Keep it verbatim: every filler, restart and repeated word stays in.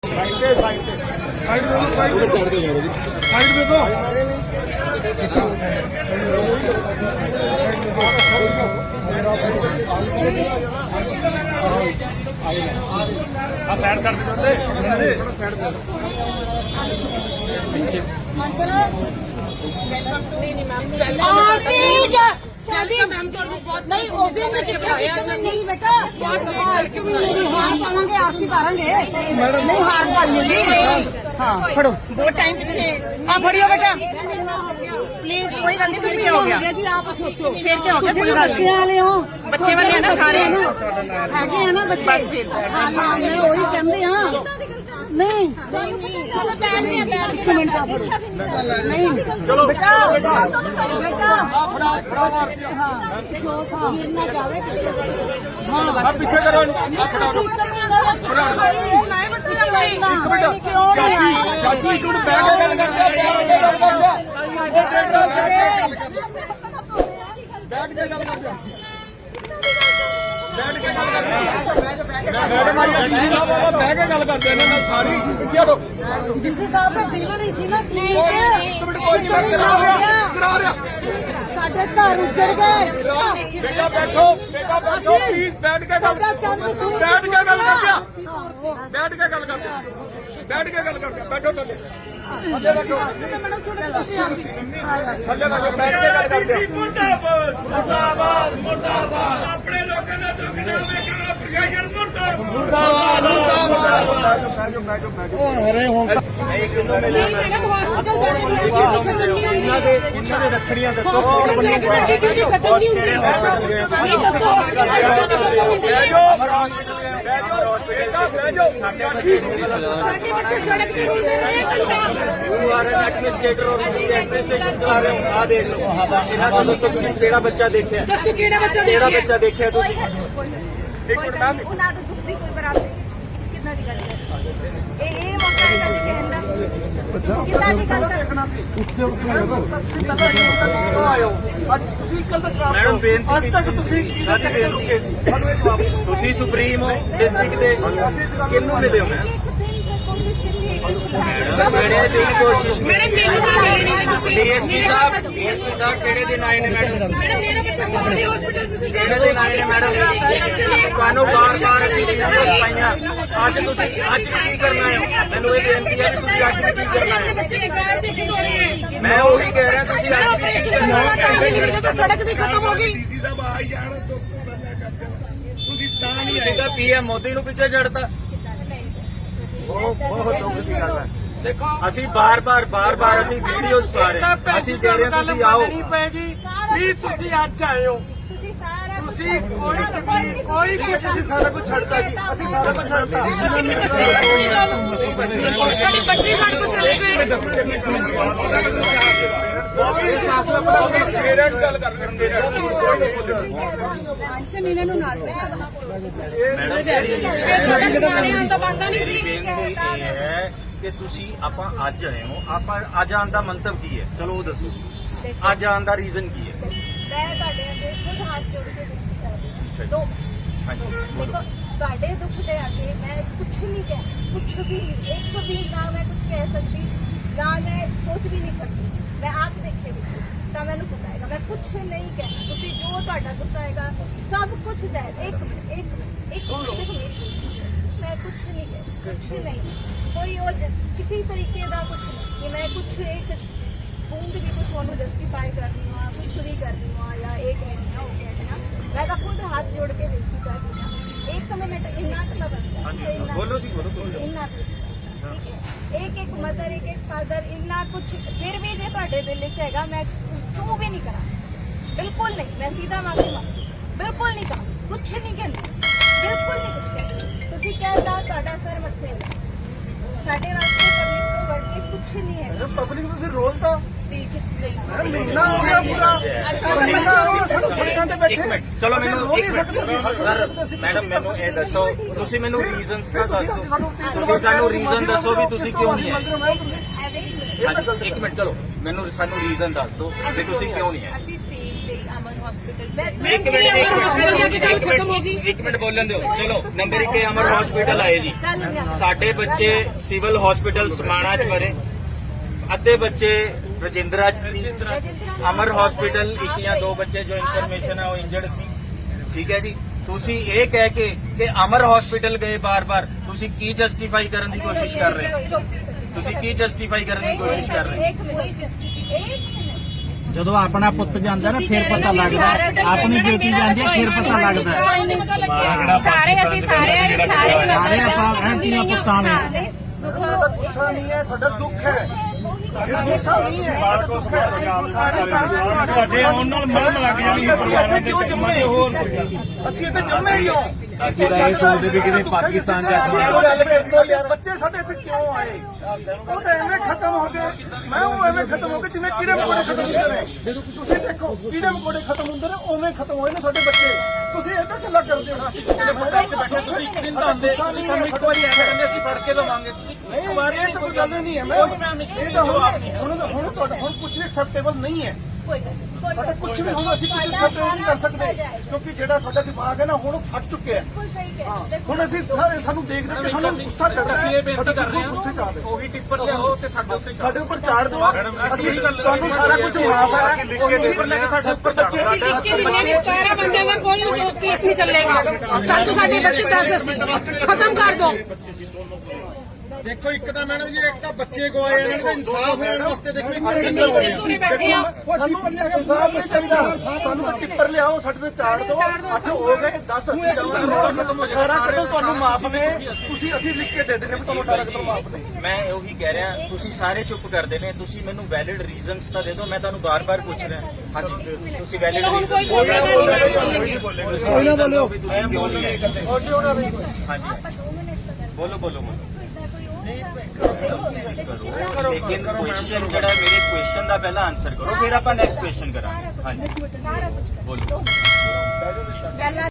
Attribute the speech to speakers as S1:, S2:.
S1: Side पे side पे side दे दो साइड पे साइड दे दो साइड दे दो आ साइड कर दे बंदे साइड दे
S2: नहीं नहीं मैम आरती शादी मैम तो बहुत नहीं उस दिन नहीं बेटा मेरी हार पावांगे आरती करेंगे नहीं हार पाएंगे हाँ फड़ो दो टाइम पीछे हाँ फड़ियो बेटा प्लीज कोई गल नहीं। फिर क्या हो गया जी आप सोचो फिर क्या हो गया बच्चे वाले हो बच्चे वाले है ना सारे है ना बच्चे बस फिर हाँ मैं वही कहते हाँ नहीं चलो बैठ गया बैठ मिनट का फड़ो नहीं चलो बेटा बेटा बेटा
S1: आप पीछे करो चाची चाची तू बैठ के गल कर बैठ के गल कर बैठ के गल कर मैडम आई डी बाबा बैठ के गल करते ने सारी पीछे हटो
S2: डीसी साहब का दिल नहीं सी ना स्नेह
S1: कोई नहीं मैं करा रहा करा रहा
S2: ਸਾਡੇ ਘਰ ਉੱਜੜ ਗਏ
S1: बेटा बैठो बेटा बैठो प्लीज बैठ के गल बैठ के गल कर बैठ के गल कर बैठ के गल कर बैठो थल्ले थल्ले बैठो
S2: ਮੈਡਮ ਤੁਹਾਡੇ ਕੋਲ ਆ ਸੀ
S1: थल्ले बैठो बैठ के गल करते
S3: ਮੁਰਦਾਬਾਦ ਮੁਰਦਾਬਾਦ ਮੁਰਦਾਬਾਦ ਆਪਣੇ ਲੋਕਾਂ ਦਾ ਦੁੱਖ ਨਾ ਵੇਖਣ ਵਾਲਾ ਪ੍ਰਸ਼ਾਸਨ ਮੁਰਦਾਬਾਦ
S1: बैठो बैठो बैठो बैठो हरे हों एक किलो में ले
S2: ਮੈਡਮ ਹਸਪੀਟਲ ਜਾਣੇ
S1: किलो में ले ਇਹਨਾਂ ਦੇ ਇਹਨਾਂ ਦੇ ਰੱਖੜੀਆਂ ਦੱਸੋ ਕੌਣ ਬੰਨੀ
S2: ਕਿਹੜੇ
S1: ਕਿਹੜੇ ਹਸਪਤਾਲ ਗਏ
S2: ਤੁਸੀਂ ਦੱਸੋ
S1: ਬਹਿ ਜਾਓ ਬਹਿ ਜਾਓ ਬਹਿ ਜਾਓ ਸਾਡੇ ਬੱਚੇ
S2: ਸਾਡੇ ਬੱਚੇ ਸੜਕ ਤੇ ਰੁਲਦੇ ਰਹੇ ਘੰਟਾ
S1: ਯੂ ਆਰ ਐਨ ਐਡਮਿਨਿਸਟ੍ਰੇਟਰ ਔਰ ਤੁਸੀਂ ਐਡਮਿਨਿਸਟ੍ਰੇਸ਼ਨ ਚਲਾ ਰਹੇ ਹੋ ਆ ਦੇਖ ਲਓ ਇਹਨਾਂ ਤੋਂ ਦੱਸੋ ਤੁਸੀਂ ਕਿਹੜਾ ਬੱਚਾ ਦੇਖਿਆ
S2: ਦੱਸੋ ਕਿਹੜਾ ਬੱਚਾ
S1: ਕਿਹੜਾ
S2: ਦੇਖਿਆ
S1: ਬੱਚਾ ਦੇਖਿਆ ਤੁਸੀਂ
S4: ਇੱਕ ਮਿੰਟ ਮੈਮ ਉਹਨਾਂ ਦਾ ਦੁੱਖ ਦੀ ਕੋਈ ਬਰਾਬਰੀ ਕਿੰਨਾ ਦੀ ਗੱਲ ਹੈ ਇਹ ਇਹ ਮੌਕਾ ਹੈ ਕਦੇ ਕਹਿਣ ਦਾ ਕਿੰਨਾ ਦੀ ਗੱਲ ਕਰਨਾ
S1: ਤੁਸੀਂ ਕੱਲ ਤੱਕ
S5: ਮੈਡਮ ਬੇਨਤੀ
S1: ਅੱਜ ਤੱਕ ਤੁਸੀਂ
S5: ਸਾਡੀ ਬੇਨਤੀ
S1: ਸਾਨੂੰ ਇਹ ਜਵਾਬ ਦਿਓ
S5: ਤੁਸੀਂ ਸੁਪਰੀਮ ਹੋ ਡਿਸਟ੍ਰਿਕਟ ਦੇ ਕਿਹਨੂੰ ਮਿਲੇ ਹੋ ਮੈਮ ਕਿਹੜੇ ਦਿਨ ਕੋਸ਼ਿਸ਼
S2: ਮੈਡਮ ਮੈਨੂੰ ਤਾਂ ਮਿਲ ਨਹੀਂ ਤੁਸੀਂ
S5: ਡੀਐਸਪੀ ਸਾਹਿਬ ਡੀਐਸਪੀ ਸਾਹਿਬ ਕਿਹੜੇ ਦਿਨ ਆਏ ਨੇ ਮੈਡਮ
S2: ਮੈਡਮ ਮੇਰਾ ਬੱਚਾ ਸਾਡੇ ਹਸਪੀਟਲ ਤੁਸੀਂ
S5: ਕਿਹੜੇ ਦਿਨ ਆਏ ਨੇ ਮੈਡਮ ਤੁਹਾਨੂੰ ਬਾਰ ਬਾਰ ਅਸੀਂ ਵੀਡੀਓਜ਼ ਪਾਈਆਂ ਅੱਜ ਤੁਸੀਂ ਅੱਜ ਵੀ ਕੀ ਕਰਨਾ ਹੈ ਮੈਨੂੰ ਇਹ ਬੇਨਤੀ ਹੈ ਕਿ ਤੁਸੀਂ ਅੱਜ ਵੀ ਕੀ ਕਰਨਾ ਹੈ
S2: ਬੱਚੇ ਨੇ ਕਾਰ ਦੇ ਕੇ ਹੋਏ
S5: ਮੈਂ ਉਹੀ ਕਹਿ ਰਿਹਾ ਤੁਸੀਂ ਅੱਜ ਵੀ ਕੀ ਕਰਨਾ ਹੈ
S2: ਸੜਕ ਦੀ ਖਤਮ ਹੋ ਗਈ
S3: ਡੀਸੀ ਸਾਹਿਬ ਆ ਹੀ ਜਾਣ ਦੋਸਤੋ ਬੰਦਾ ਕਰਦੇ ਤੁਸੀਂ ਤਾਂ ਨਹੀਂ
S5: ਤੁਸੀਂ ਤਾਂ ਪੀਐਮ ਮੋਦੀ ਨੂੰ ਪਿੱਛੇ ਛੱਡਤਾ
S1: ਬਹੁਤ ਬਹੁਤ ਦੁੱਖ ਦੀ ਗੱਲ ਹੈ
S3: ਦੇਖੋ
S5: ਅਸੀਂ ਬਾਰ ਬਾਰ ਬਾਰ ਬਾਰ ਅਸੀਂ ਵੀਡੀਓਜ਼ ਪਾ ਰਹੇ ਹਾਂ ਅਸੀਂ ਕਹਿ ਰਹੇ ਹਾਂ ਤੁਸੀਂ ਆਓ
S3: ਨਹੀਂ ਪੈਗੀ ਵੀ ਤੁਸੀਂ ਅੱਜ ਆਏ ਹੋ
S4: ਤੁਸੀਂ ਸਾਰਾ
S3: ਤੁਸੀਂ ਕੋਈ ਕਮੀ ਕੋਈ ਕੁਝ
S1: ਅਸੀਂ ਸਾਰਾ ਕੁਝ ਛੱਡਤਾ ਜੀ ਅਸੀਂ ਸਾਰਾ ਕੁਝ ਛੱਡਤਾ
S2: ਸਾਡੀ ਬੱਚੀ ਸਾਡੇ ਕੋਲ ਚਲੇ ਗਏ
S1: ਪੇਰੈਂਟਸ ਗੱਲ ਕਰ ਰਹੇ
S2: ਪੈਨਸ਼ਨ ਇਹਨਾਂ ਨੂੰ ਨਾਲ ਫਿਰ ਸਾਡਾ ਸਿਆਣੇ ਆਉਣ ਦਾ ਬਣਦਾ ਨਹੀਂ ਸੀ
S5: ਬੇਨਤੀ ਇਹ ਹੈ ਕਿ ਤੁਸੀਂ ਆਪਾਂ ਅੱਜ ਆਏ ਹੋ ਆਪਾਂ ਅੱਜ ਆਉਣ ਦਾ ਮੰਤਵ ਕੀ ਹੈ ਚਲੋ ਉਹ ਦੱਸੋ ਅੱਜ ਆਉਣ ਦਾ ਰੀਜ਼ਨ ਕੀ ਹੈ
S4: ਮੈਂ ਤੁਹਾਡੇ ਅੱਗੇ ਖੁਦ ਹੱਥ ਜੋੜ ਕੇ ਬੇਨਤੀ ਕਰਦੀ ਹਾਂ ਦੋ
S5: ਹਾਂਜੀ
S4: ਦੇਖੋ ਤੁਹਾਡੇ ਦੁੱਖ ਦੇ ਅੱਗੇ ਮੈਂ ਕੁਝ ਨਹੀਂ ਕਹਿ ਕੁਝ ਵੀ ਨਹੀਂ ਇੱਕ ਵੀ ਨਾ ਮੈਂ ਕੁਝ ਕਹਿ ਸਕਦੀ ਨਾ ਮੈਂ ਸੋਚ ਵੀ ਨਹੀਂ ਸਕਦੀ ਮੈਂ ਆਪ ਦੇਖੇ ਵਿੱਚ ਤਾਂ ਮੈਨੂੰ ਪਤਾ ਹੈਗਾ ਮੈਂ ਕੁਝ ਨਹੀਂ ਕਹਿਣਾ ਤੁਸੀਂ ਜੋ ਤੁਹਾਡਾ ਗੁੱਸਾ ਹੈਗਾ ਸਭ ਕੁਝ ਹੈ ਇੱਕ ਮਿੰਟ ਇੱਕ ਮਿੰਟ ਇੱਕ ਮਿੰਟ ਮੈਂ ਕੁਝ ਨਹੀਂ ਕਹਿ ਕੁਝ ਨਹੀਂ ਕੋਈ ਉਹ ਕਿਸੇ ਤਰੀਕੇ ਦਾ ਕੁਝ ਨਹੀਂ ਕਿ ਮੈਂ ਕੁਝ ਇੱਕ ਬੂੰਦ ਵੀ ਕੁਝ ਉਹਨੂੰ ਜਸਟੀਫਾਈ ਕਰਨੀ ਹਾਂ ਕੁਝ ਵੀ ਕਰਨੀ ਹਾਂ ਜਾਂ ਇਹ ਕਹਿਣੀ ਹਾਂ ਉਹ ਕਹਿਣੀ ਹਾਂ ਮੈਂ ਤਾਂ ਖੁਦ ਹੱਥ ਜੋੜ ਕੇ ਬੇਨਤੀ ਕਰਦੀ ਹਾਂ ਇੱਕ ਮਿੰਟ ਇੰਨਾ ਕੁ ਤਾਂ ਬਣਦਾ ਇੰਨਾ
S5: ਬੋਲੋ ਜੀ ਬੋਲੋ ਬੋਲੋ
S4: ਇੰਨਾ ਕੁ ਠੀਕ ਹੈ ਇੱਕ ਇੱਕ ਮਦਰ ਇੱਕ ਇੱਕ ਫਾਦਰ ਇੰਨਾ ਕੁਝ ਫਿਰ ਵੀ ਜੇ ਤੁਹਾਡੇ ਦਿਲ ਵਿੱਚ ਹੈਗਾ ਮੈਂ ਚੂ ਵੀ ਨਹੀਂ ਕਰਾਂ ਬਿਲਕੁਲ ਨਹੀਂ ਮੈਂ ਸੀਧਾ ਮਾਫੀ ਮੰਗਦੀ ਬਿਲਕੁਲ ਨਹੀਂ ਕਰਾਂ ਕੁਝ ਨਹੀਂ ਕਹਿੰਦੀ ਬਿਲਕੁਲ ਨਹੀਂ ਕੁਝ ਕਹਿੰਦੀ ਤੁਸੀਂ ਕਹਿੰਦਾ ਤੁਹਾਡਾ ਸਰ ਮੱਥੇ ਹੈ ਸਾਡੇ ਵਾਸਤੇ ਪਬਲਿਕ ਤੋਂ ਵੱਧ ਕੇ ਕੁਝ ਨਹੀਂ ਹੈ
S1: ਪਬਲਿਕ ਨੂੰ ਫਿਰ ਰੋਲ ਤਾਂ
S2: ਠੀਕ ਨਹੀਂ
S1: ਮਹੀਨਾ ਹੋ ਗਿਆ ਪੂਰਾ ਮਹੀਨਾ ਹੋ ਗਿਆ ਸਾਨੂੰ ਸੜਕਾਂ ਤੇ ਬੈਠੇ
S5: ਇੱਕ ਮਿੰਟ ਚਲੋ ਮੈਨੂੰ ਇੱਕ ਮਿੰਟ ਸਰ ਮੈਡਮ ਮੈਨੂੰ ਇਹ ਦੱਸੋ ਤੁਸੀਂ ਮੈਨੂੰ ਰੀਜ਼ਨਸ ਤਾਂ ਦੱਸ ਦਿਓ ਤੁਸੀਂ ਸਾਨੂੰ ਰੀਜ਼ਨ ਦੱਸੋ ਵੀ ਤੁਸੀਂ ਕਿਉਂ ਨਹੀਂ ਆਏ ਹਾਂਜੀ ਇੱਕ ਮਿੰਟ ਚਲੋ ਮੈਨੂੰ ਸਾਨੂੰ ਰੀਜ਼ਨ ਦੱਸ ਦਿਓ ਕਿ ਤੁਸੀਂ ਕਿਉਂ ਨਹੀਂ ਆਏ
S2: ਅਸੀਂ ਸੇਮ ਡੇ ਅਮਨ
S4: हॉस्पिटल
S5: ਇੱਕ ਮਿੰਟ ਇੱਕ ਮਿੰਟ ਇੱਕ ਮਿੰਟ ਇੱਕ ਮਿੰਟ ਬੋਲਣ ਦਿਓ। ਚਲੋ ਨੰਬਰ ਇੱਕ ਅਮਰ ਹਸਪੀਟਲ ਆਏ ਜੀ। ਸਾਡੇ ਬੱਚੇ ਸਿਵਲ ਹਸਪੀਟਲ ਸਮਾਣਾ ਚ ਮਰੇ, ਅੱਧੇ ਬੱਚੇ ਰਜਿੰਦਰਾ ਚ ਸੀ। ਅਮਰ ਹਸਪੀਟਲ ਇੱਕ ਜਾਂ ਦੋ ਬੱਚੇ ਜੋ ਇਨਫੋਰਮੇਸ਼ਨ ਹੈ ਉਹ ਇੰਜਰਡ ਸੀ। ਠੀਕ ਹੈ ਜੀ, ਤੁਸੀਂ ਇਹ ਕਹਿ ਕੇ ਕਿ ਅਮਰ ਹਸਪੀਟਲ ਗਏ ਬਾਰ-ਬਾਰ, ਤੁਸੀਂ ਕੀ ਜਸਟੀਫਾਈ ਕਰਨ ਦੀ ਕੋਸ਼ਿਸ਼ ਕਰ ਰਹੇ ਹੋ? ਤੁਸੀਂ ਕੀ ਜਸਟੀਫਾਈ ਕਰਨ ਦੀ ਕੋਸ਼ਿਸ਼ ਕਰ ਰਹੇ ਹੋ?
S4: एक मिनट एक मिनट
S6: ਜਦੋਂ ਆਪਣਾ ਪੁੱਤ ਜਾਂਦਾ ਨਾ ਫਿਰ ਪਤਾ ਲੱਗਦਾ, ਆਪਣੀ ਬੇਟੀ ਜਾਂਦੀ ਹੈ ਫਿਰ ਪਤਾ ਲੱਗਦਾ।
S7: ਸਾਰੇ ਅਸੀਂ ਸਾਰੇ ਸਾਰੇ
S6: ਸਾਰੇ ਆਪਾਂ ਐਂ ਧੀਆਂ ਪੁੱਤਾਂ ਨੇ।
S4: गुस्सा
S1: ਨਹੀਂ ਹੈ, ਸਾਡਾ ਦੁੱਖ ਹੈ।
S4: गुस्सा
S1: ਨਹੀਂ ਹੈ, ਸਾਡਾ ਦੁੱਖ ਹੈ।
S3: ਤੁਹਾਡੇ ਆਉਣ ਨਾਲ ਮਰਮ ਲੱਗ ਜਾਣੀ ਹੈ ਪਰਿਵਾਰਾਂ ਦੇ ਵਿੱਚ ਜੰਮੇ ਹੋਰ
S1: ਅਸੀਂ ਇੱਥੇ ਜੰਮੇ ਹੀ ਹੋ।
S3: ਅਸੀਂ ਤਾਂ ਇਹ ਸੋਚਦੇ ਵੀ ਕਿਤੇ ਪਾਕਿਸਤਾਨ ਜਾ ਕੇ
S1: ਬੱਚੇ ਸਾਡੇ ਇੱਥੇ ਕਿਉਂ ਆਏ? ਉਹ ਤਾਂ ਐਵੇਂ ਖਤਮ ਹੋ ਗਏ। ਮੈਂ ਉਹ ਐਵੇਂ ਖਤਮ ਹੋ ਗਏ ਜਿਵੇਂ ਕੀੜੇ ਮਕੌੜੇ ਖਤਮ ਹੁੰਦੇ ਨੇ। ਤੁਸੀਂ ਦੇਖੋ ਕੀੜੇ ਮਕੌੜੇ ਖਤਮ ਹੁੰਦੇ ਨੇ, ਉਵੇਂ ਖਤਮ ਹੋਏ ਨੇ ਸਾਡੇ ਬੱਚੇ। ਤੁਸੀਂ ਏਦਾਂ ਗੱਲਾਂ ਕਰਦੇ ਹੋ। ਅਸੀਂ ਕਿਸੇ ਦੇ ਵਿੱਚ ਬੈਠੇ, ਤੁਸੀਂ ਇੱਕ ਦਿਨ ਤਾਂ ਆਉਂਦੇ, ਤੁਸੀਂ ਸਾਨੂੰ ਇੱਕ ਵਾਰੀ ਐਵੇਂ ਕਹਿੰਦੇ ਅਸੀਂ ਫੜ ਕੇ ਲਵਾਂਗੇ। ਤੁਸੀਂ ਇੱਕ ਵਾਰ ਇਹ ਤਾਂ ਕੋਈ ਗੱਲ ਨਹੀਂ ਹੈ। ਮੈਂ ਇਹ ਤਾਂ ਹੁਣ ਹੁਣ ਹੁਣ ਤੁਹਾਡਾ ਹੁਣ ਕੁਝ ਵੀ ਐਕਸੈਪਟੇਬਲ ਨਹੀਂ ਹੈ।
S4: कोई गल नहीं, कोई
S1: ਸਾਡਾ
S4: गल
S1: ਕੁਝ
S4: नहीं।
S1: ਵੀ ਹੁਣ ਅਸੀਂ ਕੁਝ ਐਕਸੈਪਟੇਬਲ ਨਹੀਂ ਕਰ ਸਕਦੇ, ਕਿਉਂਕਿ ਜਿਹੜਾ ਸਾਡਾ ਦਿਮਾਗ ਹੈ ਨਾ ਹੁਣ ਉਹ ਫਟ ਚੁੱਕਿਆ ਹੈ।
S4: बिल्कुल सही कह रहे हो।
S1: ਹੁਣ ਅਸੀਂ ਸਾਰੇ ਸਾਨੂੰ ਦੇਖ ਦੇਖ ਕੇ ਸਾਨੂੰ ਗੁੱਸਾ ਚੜ ਰਿਹਾ ਹੈ।
S3: ਬੇਨਤੀ ਕਰ ਰਹੇ
S1: ਗੁੱਸੇ ਚ ਆ
S3: ਹਾਂ
S1: ਰਹੇ।
S3: ਉਹੀ ਟਿੱਪਰ ਲਿਆਓ ਤੇ ਸਾਡੇ ਉੱਤੇ
S1: ਸਾਡੇ ਉੱਪਰ ਚਾੜ ਦਿਓ। ਅਸੀਂ ਤੁਹਾਨੂੰ ਸਾਰਾ ਕੁਝ ਮਾਫ ਹੈ।
S3: ਲਿਖ ਕੇ ਟਿੱਪਰ ਲੈ ਕੇ ਸਾਡੇ ਉੱਪਰ ਚਾੜ ਦਿਓ।
S2: ਸਤਾਰਾਂ ਬੰਦਿਆਂ ਦਾ ਕੋਈ ਕੇਸ ਨਹੀਂ ਚੱਲੇਗਾ। ਸਾਨੂੰ ਸਾਡੇ ਬੱਚੇ ਦੱਸ ਖਤਮ ਕਰ ਦੋ।
S1: ਦੇਖੋ ਇੱਕ ਤਾਂ ਮੈਡਮ ਜੀ ਇੱਕ ਤਾਂ ਬੱਚੇ ਗਵਾਏ ਇਹਨਾਂ ਨੂੰ ਇਨਸਾਫ ਲੈਣ ਵਾਸਤੇ ਦੇਖੋ ਇੱਕ ਸਿੰਗਲ ਹੋ ਰਿਹਾ। ਸਾਨੂੰ ਇਨਸਾਫ ਨਹੀਂ ਚਾਹੀਦਾ। ਸਾਨੂੰ ਤਾਂ ਟਿੱਪਰ ਲਿਆਓ, ਸਾਡੇ ਤੇ ਚਾੜ ਦਿਓ। ਅੱਠ ਹੋ ਗਏ, ਦਸ ਅਸੀਂ ਦੇਵਾਂਗੇ। ਅਠਾਰਾਂ ਕਤਲ ਤੁਹਾਨੂੰ ਮਾਫ ਨੇ। ਤੁਸੀਂ ਅਸੀਂ ਲਿਖ ਕੇ ਦੇ ਦਿੰਦੇ ਵੀ ਤੁਹਾਨੂੰ ਅਠਾਰਾਂ ਕਤਲ ਮਾਫ ਨੇ।
S5: ਮੈਂ ਉਹੀ ਕਹਿ ਰਿਹਾ, ਤੁਸੀਂ ਸਾਰੇ ਚੁੱਪ ਕਰਦੇ ਨੇ। ਤੁਸੀਂ ਮੈਨੂੰ ਵੈਲਿਡ ਰੀਜ਼ਨਸ ਤਾਂ ਦੇ ਦਿਓ। ਮੈਂ ਤੁਹਾਨੂੰ ਬਾਰ-ਬਾਰ ਪੁੱਛ ਰਿਹਾ। ਹਾਂਜੀ, ਤੁਸੀਂ ਵੈਲਿਡ ਰੀਜ਼ਨ
S1: ਕੋਈ ਨਾ ਬੋਲਿਓ।
S5: ਵੀ ਤੁਸੀਂ ਕਿਉਂ ਨਹੀਂ ਆਏ। ਹਾਂਜੀ,
S4: आप दो मिनट का कर
S5: ਬੋਲੋ ਬੋਲੋ ਬੋਲੋ।
S4: देखो
S5: ਕਰੋ, ਲੇਕਿਨ ਕੁਐਸਚਨ ਜਿਹੜਾ ਮੇਰੇ ਕੁਐਸਚਨ ਦਾ ਪਹਿਲਾਂ ਆਨਸਰ ਕਰੋ, ਫਿਰ ਆਪਾਂ ਨੈਕਸਟ ਕੁਐਸਚਨ ਕਰਾਂਗੇ। ਹਾਂਜੀ
S4: सारा कुछ
S5: ਬੋਲੋ।
S4: पहला